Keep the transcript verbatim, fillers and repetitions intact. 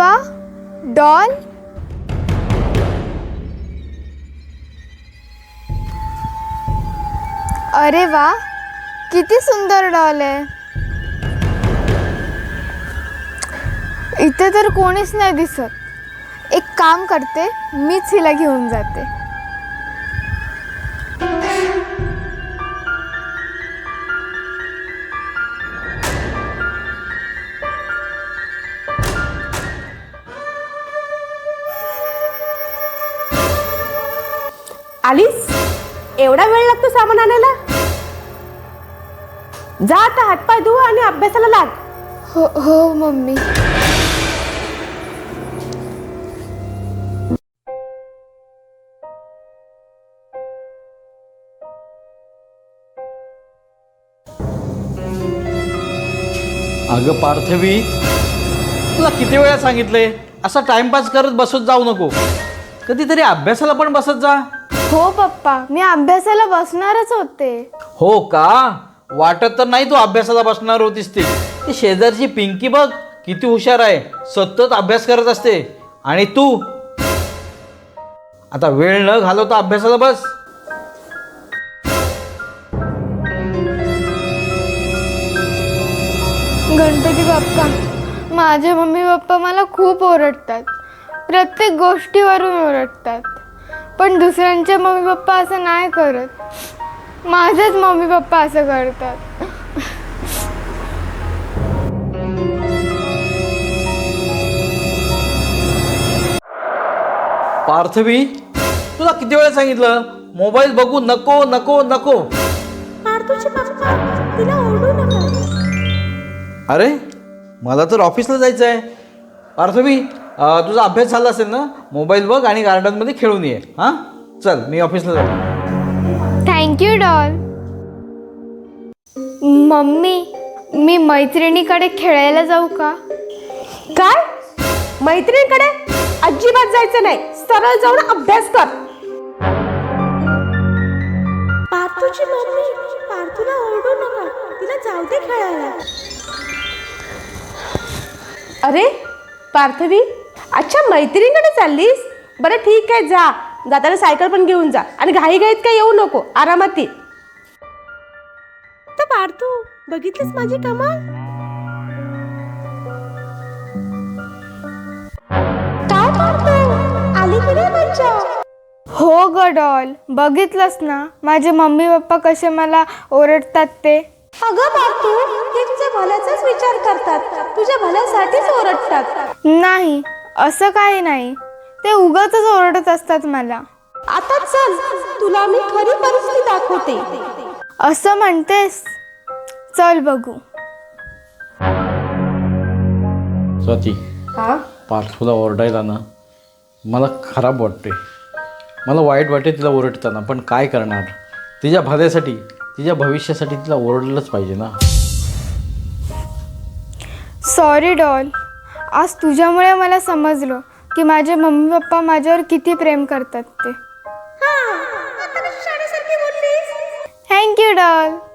वा, डॉल. अरे वा, किती सुंदर डॉल आहे. इथे तर कोणीच नाही दिसत. एक काम करते, मीच हिला घेऊन जाते. आलीस? एवढा वेळ लागतो सामान आणायला? जा आता हातपाय धुव आणि अभ्यासाला लाग. हो हो मम्मी. अगं पार्थवी, तुला किती वेळा सांगितलंय असा टाइमपास करत बसत जाऊ नको. कधीतरी अभ्यासाला पण बसत जा. हो पप्पा, मी अभ्यासाला बसणारच होते. हो का? वाटत तर नाही तू अभ्यासाला बसणार होतीस. ती ती शेजारची पिंकी बघ किती हुशार आहे, सतत अभ्यास करत असते. आणि तू आता वेळ न घालवता अभ्यासाला बस. गणपती बाप्पा, माझे मम्मी पप्पा मला खूप ओरडतात. प्रत्येक गोष्टीवरून ओरडतात. पण दुसऱ्यांचे मम्मी पप्पा असं नाही करत. माझेच मम्मी पप्पा असं करतात. पार्थवी, तुला किती वेळा सांगितलं मोबाईल बघू नको नको नको. पार्थूचे पप्पा तिला ओरडू नका. अरे मला तर ऑफिसला जायचं आहे. पार्थवी, अं, तुझा अभ्यास झाला असेल ना, मोबाईल बघ आणि गार्डनमध्ये खेळून ये. हां चल, मी ऑफिसला जातो. Thank you doll. मम्मी, मी मैत्रिणीकडे खेळायला जाऊ का? काय? मैत्रिणीकडे अजिबात जायचं नाही. सरळ जाऊन अभ्यास कर. पार्थूची मम्मी पार्थूला ओरडू नका, तिला जाऊ दे खेळायला. अरे पार्थवी, अच्छा मैत्रिणीकडे चाललीस? बरं ठीक आहे, जा. जाताना सायकल पण घेऊन जा आणि घाई घाईत काय येऊ नको, आरामात ये. तर पार्थू, बघितलीस माझी कमाल? काय पार्थू, आली की नाही मज्जा? हो ग डॉल, बघितलंस ना माझे मम्मी पप्पा कसे मला ओरडतात ते. अगं पार्थू, ते तुझ्या भल्याचाच विचार करतात, तुझ्या भल्यासाठीच ओरडतात. नाही, असं काही नाही. ते उगाचच ओरडत असतात मला. आता चल, तुला मी खरी परिस्थिती दाखवते. असं म्हणतेस? चल बघू. स्वाती, हा? पार्थूला ओरडायला ना मला खराब वाटते. मला वाईट वाटते तिला ओरडताना, पण काय करणार. तिच्या भल्यासाठी, तिच्या भविष्यासाठी तिला ओरडलंच पाहिजे ना. सॉरी डॉल, आज तुझ्यामुळे मला समजलं की माझे मम्मी पप्पा माझ्यावर किती प्रेम करतात ते. Thank you doll.